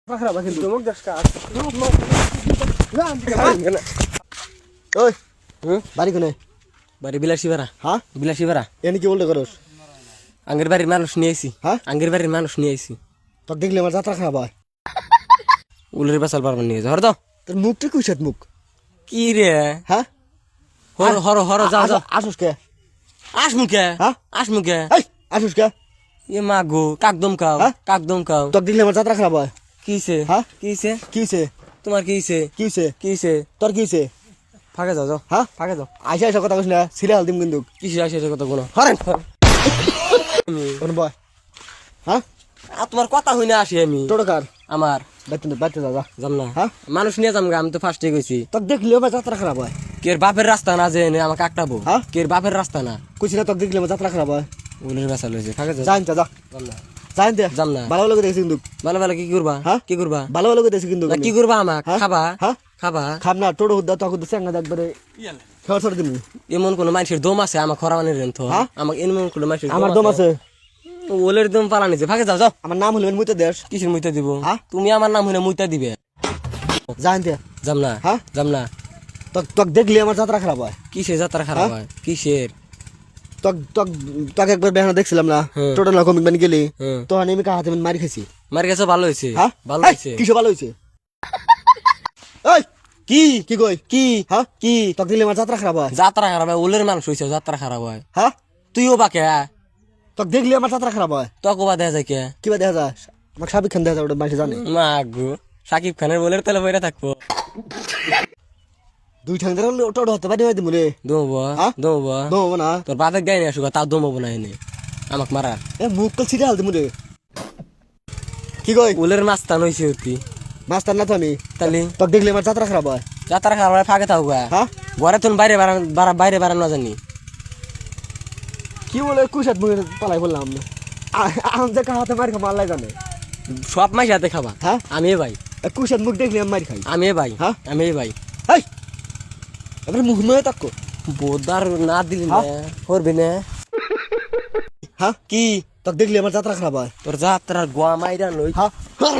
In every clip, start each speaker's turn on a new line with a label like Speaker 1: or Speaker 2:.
Speaker 1: খারাপ কিন্তু চমক দশকা ওই বাড়ি কোনে
Speaker 2: বাড়ি বিলাসী ভাড়া
Speaker 1: হ্যাঁ
Speaker 2: বিলাসী ভাড়া
Speaker 1: এনে কি বলতে করস
Speaker 2: আঙ্গের বাড়ির মানুষ নিয়ে আইছি
Speaker 1: হ্যাঁ
Speaker 2: আঙ্গের বাড়ির মানুষ নিয়ে আইছি
Speaker 1: তোর দেখলে আমার যাত্রা খারাপ হয়
Speaker 2: উলের বাসাল পারবার নিয়ে হর তো
Speaker 1: তোর মুখটা কুইসাত মুখ
Speaker 2: কি রে
Speaker 1: হ্যাঁ
Speaker 2: হর হর হর যা যা
Speaker 1: আসুস কে
Speaker 2: আস মুখে
Speaker 1: হ্যাঁ
Speaker 2: আস মুখে
Speaker 1: এই আসুস কে
Speaker 2: এ মা গো কাকদম খাও
Speaker 1: হ্যাঁ?
Speaker 2: কাকদম খাও
Speaker 1: তোর দেখলে আমার যাত্রা খারাপ হয়
Speaker 2: কিছে
Speaker 1: হ্যাঁ?
Speaker 2: কিছে
Speaker 1: কিছে
Speaker 2: তোমার কিছে
Speaker 1: কিছে
Speaker 2: কিছে
Speaker 1: তোর কিছে
Speaker 2: ফাঁকে যাও যাও
Speaker 1: হ্যাঁ
Speaker 2: ফাঁকে যাও
Speaker 1: আইসা আইসা কথা কইস না সিরিয়াল দিম কিন্তু
Speaker 2: কিসে আসে এসে কথা কোনো
Speaker 1: হরেন কোন বয় হ্যাঁ
Speaker 2: তোমার কথা হই না আসি আমি
Speaker 1: টোটো কার
Speaker 2: আমার
Speaker 1: বাইতে যা
Speaker 2: যাম না
Speaker 1: হ্যাঁ?
Speaker 2: মানুষ নিয়ে যাম গা, আমি তো ফার্স্টে গেছি
Speaker 1: তোর দেখলেও আমার যাত্রা খারাপ হয়
Speaker 2: কের বাপের রাস্তা না যে আমাকে আটকাবো
Speaker 1: হ্যাঁ?
Speaker 2: কের বাপের রাস্তা না
Speaker 1: কুছি না তোর দেখলে আমার যাত্রা খারাপ হয়
Speaker 2: উলের বাসাল হয়েছে ফাঁকে যাও
Speaker 1: জানতে যা
Speaker 2: যাম না
Speaker 1: জানতে
Speaker 2: যাম না
Speaker 1: ভালো ভালো করে দেখছি কিন্তু
Speaker 2: ভালো ভালো কি করবা
Speaker 1: হ্যাঁ?
Speaker 2: কি করবা
Speaker 1: ভালো ভালো করে দেখছি কিন্তু
Speaker 2: না কি করবা আমাক
Speaker 1: হ্যাঁ?
Speaker 2: খাবা
Speaker 1: হ্যাঁ?
Speaker 2: খাবা
Speaker 1: খাব না টোটো হুদ্দা তোকে তো চেঙ্গা একবারে খেয়াল ছড় দিবি
Speaker 2: এমন কোন মানুষের দম আছে আমার খরাবানির রেন তো
Speaker 1: হ্যাঁ?
Speaker 2: আমাকে এমন কোন মানুষের
Speaker 1: আমার দম আছে
Speaker 2: ওলের দম পালা নিছে ফাঁকে যাও যাও
Speaker 1: আমার নাম হলো মুইতে দেশ
Speaker 2: কিসের মুইতা দিব
Speaker 1: হ্যাঁ?
Speaker 2: তুমি আমার নাম হইলে মুইতা দিবে
Speaker 1: জানতে
Speaker 2: যাম না
Speaker 1: হ্যাঁ?
Speaker 2: যাম না
Speaker 1: তোক দেখলে আমার যাত্রা খারাপ হয়
Speaker 2: কিসের যাত্রা খারাপ হয় কিসের
Speaker 1: তোকে একবার বেহানা দেখছিলাম না
Speaker 2: হ্যাঁ।
Speaker 1: টোটো না কমিট মানে গেলি
Speaker 2: হ্যাঁ।
Speaker 1: তখন আমি কাহাতে মারি খাইছি
Speaker 2: মার গেছে ভালো হয়েছে
Speaker 1: হ্যাঁ
Speaker 2: ভালো
Speaker 1: এই,
Speaker 2: হয়েছে
Speaker 1: কিসে ভালো হয়েছে এই
Speaker 2: কি
Speaker 1: কি কই
Speaker 2: কি
Speaker 1: হ্যাঁ
Speaker 2: কি
Speaker 1: তোকে দিলে আমার যাত্রা খারাপ হয়
Speaker 2: যাত্রা খারাপ হয় ওলের মানুষ হয়েছে যাত্রা খারাপ হয়
Speaker 1: হ্যাঁ
Speaker 2: তুইও বাকে
Speaker 1: তোকে দেখলে আমার যাত্রা খারাপ হয়
Speaker 2: তোকে বা দেখা যায় কে
Speaker 1: কিবা দেখা যায় আমাকে সাবিক খান দেখা যায় ওটা মানুষ জানে
Speaker 2: মা গো সাকিব খানের বলের তেলে বইরা থাকবো
Speaker 1: দুই ঠাং ধরে টোটো হতে পারি হয়তো মরে
Speaker 2: দমবো
Speaker 1: হ্যাঁ?
Speaker 2: দমবো
Speaker 1: দমবো না
Speaker 2: তোর বাপের গায়ে নিয়ে আসুক তাও দমবো না এনে আমাক মারা
Speaker 1: এ মুখ কল ছিটে হালতে মরে কি কই
Speaker 2: উলের মাস্তান হয়েছে অতি
Speaker 1: মাস্টার না তো আমি
Speaker 2: তাহলে
Speaker 1: তোকে দেখলে আমার যাত্রা খারাপ হয়
Speaker 2: যাত্রা খারাপ হয় ফাঁকে থাকবো
Speaker 1: হ্যাঁ
Speaker 2: ঘরে তুমি বাইরে বাইরে বাড়ানো জানি
Speaker 1: কি বলে কুশাত মুখে পালাই বললাম আমি যে কাহাতে মারি খাবো আল্লাহ জানে
Speaker 2: সব মাস হাতে খাবা
Speaker 1: হ্যাঁ?
Speaker 2: আমি এ ভাই
Speaker 1: কুশাত মুখ দেখলে আমি মারি খাই
Speaker 2: আমি এ ভাই
Speaker 1: হ্যাঁ?
Speaker 2: আমি এ ভাই
Speaker 1: এই এবারে মুখ নয় তাক্কো
Speaker 2: বোদার না দিলি না
Speaker 1: হ্যাঁ?
Speaker 2: করবি না
Speaker 1: হ্যাঁ
Speaker 2: কি
Speaker 1: তোকে দেখলে আমার যাত্রা খারাপ হয়
Speaker 2: তোর যাত্রার গোয়া মাইরা লই
Speaker 1: হ্যাঁ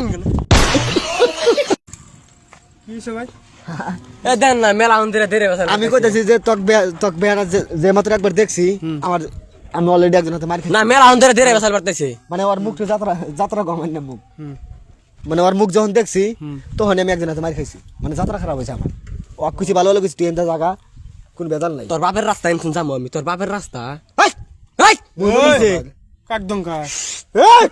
Speaker 3: কি সবাই
Speaker 2: এ দেন না মেলা অন্দিরা দেরে বসে
Speaker 1: আমি কইতাছি যে তোকে বেহানা যে মাত্র একবার দেখছি আমার আমি অলরেডি একজন হাতে মারি খাই
Speaker 2: না মেলা অন্দিরা দেরে বসাল পারতেছে
Speaker 1: মানে ওর মুখটা যাত্রা যাত্রা গমান না মুখ মানে ওর মুখ যখন দেখছি তখন আমি একজন হাতে মারি খাইছি মানে যাত্রা খারাপ হয়েছে আমার ও কিছু ভালো হলো কিছু ট্রেনটা জায়গা কোন বেদাল নাই
Speaker 2: তোর বাপের রাস্তা এমন যাবো আমি তোর বাপের রাস্তা
Speaker 1: এই!
Speaker 2: এই
Speaker 1: মুখ বলছে।
Speaker 3: কাকদম খা
Speaker 1: এই!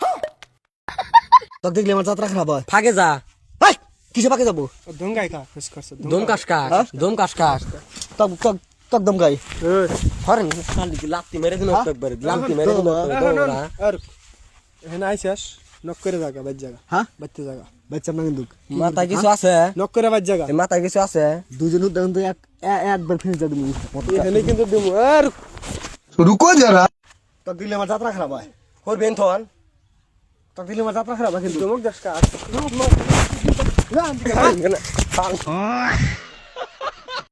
Speaker 1: তোকে দেখলে আমার যাত্রা খারাপ হয়
Speaker 2: ফাঁকে যা
Speaker 1: এই! কিসে পাকে যাবো
Speaker 3: দঙ্গাই খা খুশ করছ
Speaker 2: দম কাস কাস দম কাস কাস
Speaker 1: তক দম গাই
Speaker 2: হরেন শালি কি লাত্তি মেরে দিন একবার লাত্তি মেরে দিন
Speaker 3: আর এখানে আইসাস নক করে জায়গা বাজ জায়গা
Speaker 1: হ্যাঁ
Speaker 3: বাচ্চা জায়গা
Speaker 1: বাচ্চা না কিন্তু
Speaker 2: মাথায় কিছু আছে
Speaker 3: নক করে বাজ জায়গা
Speaker 2: এই মাথায় কিছু আছে
Speaker 1: দুজন দেখুন তো একবার ফিনিশ যা তুমি
Speaker 3: এখানে কিন্তু দিমু আর
Speaker 1: রুকো যারা তোকে দিলে আমার যাত্রা খারাপ হয়
Speaker 2: করবেন থন
Speaker 1: তোকে দিলে আমার যাত্রা খারাপ হয় কিন্তু
Speaker 3: চমক দশকা